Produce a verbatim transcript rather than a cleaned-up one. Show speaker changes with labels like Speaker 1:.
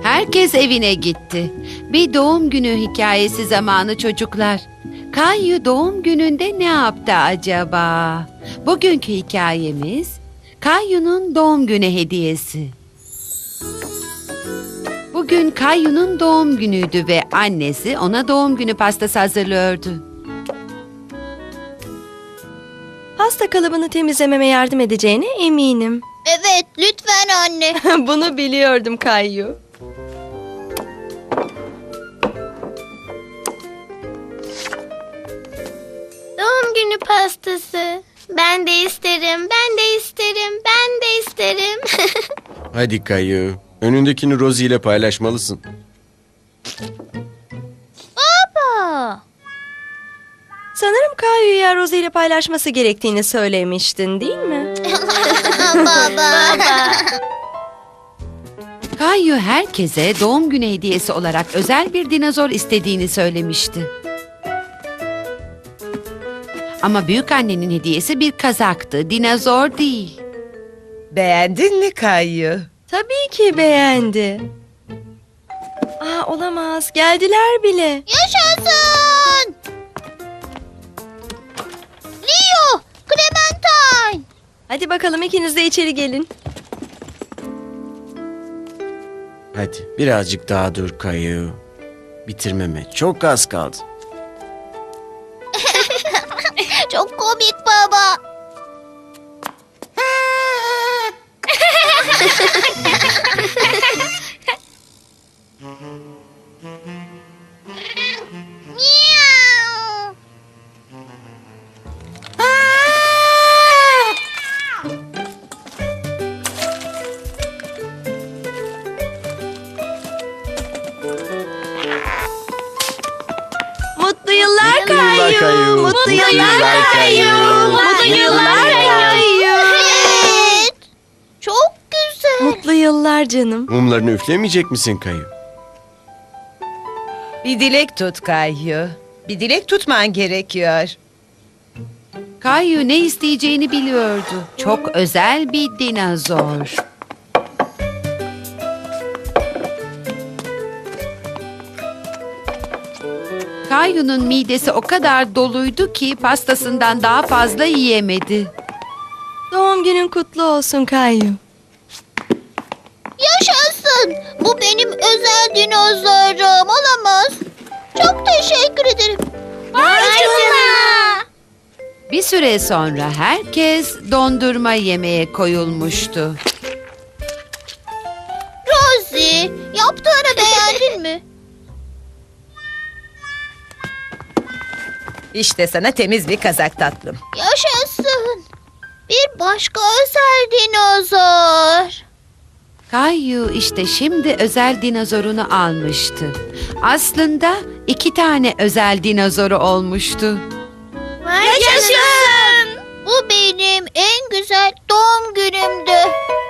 Speaker 1: Herkes evine gitti. Bir doğum günü hikayesi zamanı çocuklar. Kayu doğum gününde ne yaptı acaba? Bugünkü hikayemiz Kayu'nun doğum günü hediyesi. Bugün Kayu'nun doğum günüydü ve annesi ona doğum günü pastası hazırlıyordu.
Speaker 2: Pasta kalıbını temizlememe yardım edeceğine eminim.
Speaker 3: Evet, lütfen anne.
Speaker 2: Bunu biliyordum Kayu.
Speaker 3: Doğum günü pastası. Ben de isterim, ben de isterim, ben de isterim.
Speaker 4: Hadi Kayu. Önündekini Rosie ile paylaşmalısın.
Speaker 3: Baba.
Speaker 2: Sanırım Kayu'ya Rosie ile paylaşması gerektiğini söylemiştin, değil mi?
Speaker 3: Baba.
Speaker 1: Kayu herkese doğum günü hediyesi olarak özel bir dinozor istediğini söylemişti. Ama büyükannenin hediyesi bir kazaktı, dinozor değil.
Speaker 5: Beğendin mi Kayu?
Speaker 2: Tabii ki beğendi. Aa, olamaz. Geldiler bile.
Speaker 3: Yaşasın. Leo, Clementine.
Speaker 2: Hadi bakalım ikiniz de içeri gelin.
Speaker 4: Hadi birazcık daha dur Kayu. Bitirmeme çok az kaldı.
Speaker 3: Çok komik baba. Miau.
Speaker 2: Mutlu yıllar
Speaker 4: Mutlu yıllar
Speaker 2: Kayu.
Speaker 4: Kayu.
Speaker 2: Mutlu yıllar Kayu. Mutlu yıllar Kayu.
Speaker 3: Evet. Çok güzel.
Speaker 2: Mutlu yıllar canım.
Speaker 4: Mumlarını üflemeyecek misin Kayu?
Speaker 5: Bir dilek tut Kayu. Bir dilek tutman gerekiyor.
Speaker 1: Kayu ne isteyeceğini biliyordu. Çok özel bir dinozor. Kayu'nun midesi o kadar doluydu ki pastasından daha fazla yiyemedi.
Speaker 2: Doğum günün kutlu olsun Kayu.
Speaker 3: Yaşasın. Bu benim özel dinozorum. Olamaz. Çok teşekkür ederim. Vay canına.
Speaker 1: Bir süre sonra herkes dondurma yemeye koyulmuştu.
Speaker 3: Rosie, yaptığını beğendin mi?
Speaker 5: İşte sana temiz bir kazak tatlım.
Speaker 3: Yaşasın. Bir başka özel dinozor.
Speaker 1: Kayu işte şimdi özel dinozorunu almıştı. Aslında iki tane özel dinozoru olmuştu.
Speaker 3: Yaşasın. Bu benim en güzel doğum günümdü.